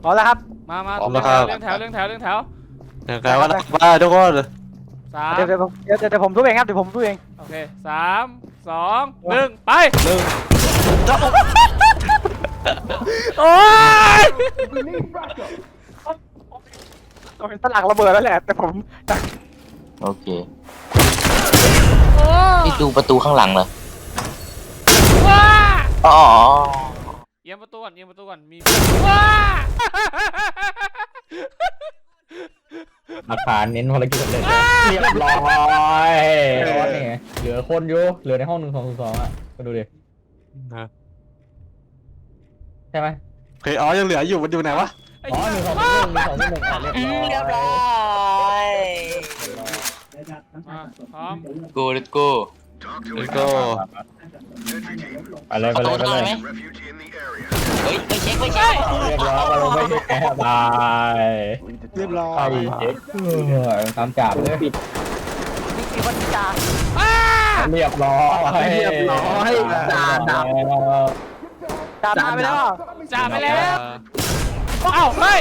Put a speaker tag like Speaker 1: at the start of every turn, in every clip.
Speaker 1: พร้อมแล้วครับ
Speaker 2: มา
Speaker 3: พร้อมแล้วครับ
Speaker 2: เรื่องแถว
Speaker 3: อย่างไรว่าบ้าทุกคน
Speaker 2: สาม
Speaker 1: เดี๋ยวผมทุบเองครับเดี๋ยวผมทุบเอง
Speaker 2: โอเค3 2 1ไปโอ้ย
Speaker 1: ต้องเป็นสลักระเบิดแล้วแหละแต่ผม
Speaker 4: โอเคนี่ดูประตูข้างหลังเหรอ
Speaker 2: ว้า
Speaker 4: อ๋อ
Speaker 2: เอียงประตูก่อนมีว้า
Speaker 5: หลักฐานเน้นภารกิจสำเร็จเรียบร้อยนี่ไงเหลือคนอยู่เหลือในห้อง1202อ่ะมาดูดิใช่ไหม
Speaker 3: เคยอ๋อยังเหลืออยู่มันอยู่ไหนวะ
Speaker 5: อ๋อ1201เรียบร้อย
Speaker 2: พร้อม
Speaker 4: กูเลตกู
Speaker 3: แล้วก็
Speaker 5: ไปเลย
Speaker 4: ประตูทางไหนไหมเฮ้ยไปเช็ค
Speaker 5: เรียบร้อยมาลงไปแค่บาย
Speaker 3: เรียบร้อ
Speaker 5: ไป
Speaker 3: ย
Speaker 5: เช็คตามจับเลย
Speaker 1: นี่คือวันจา
Speaker 5: เรียบร้อยจ่าดับ
Speaker 1: จามาไปแล้ว
Speaker 2: จ่าไปแล้วเอ้าเฮ้ย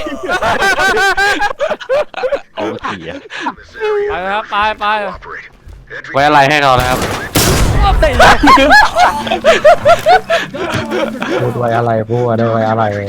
Speaker 3: เอาเสีย
Speaker 2: ไปครับไป
Speaker 3: ไว้อะไรให้เขานะครับ
Speaker 5: พูดไว้อะไรพูดได้ไว้อะไร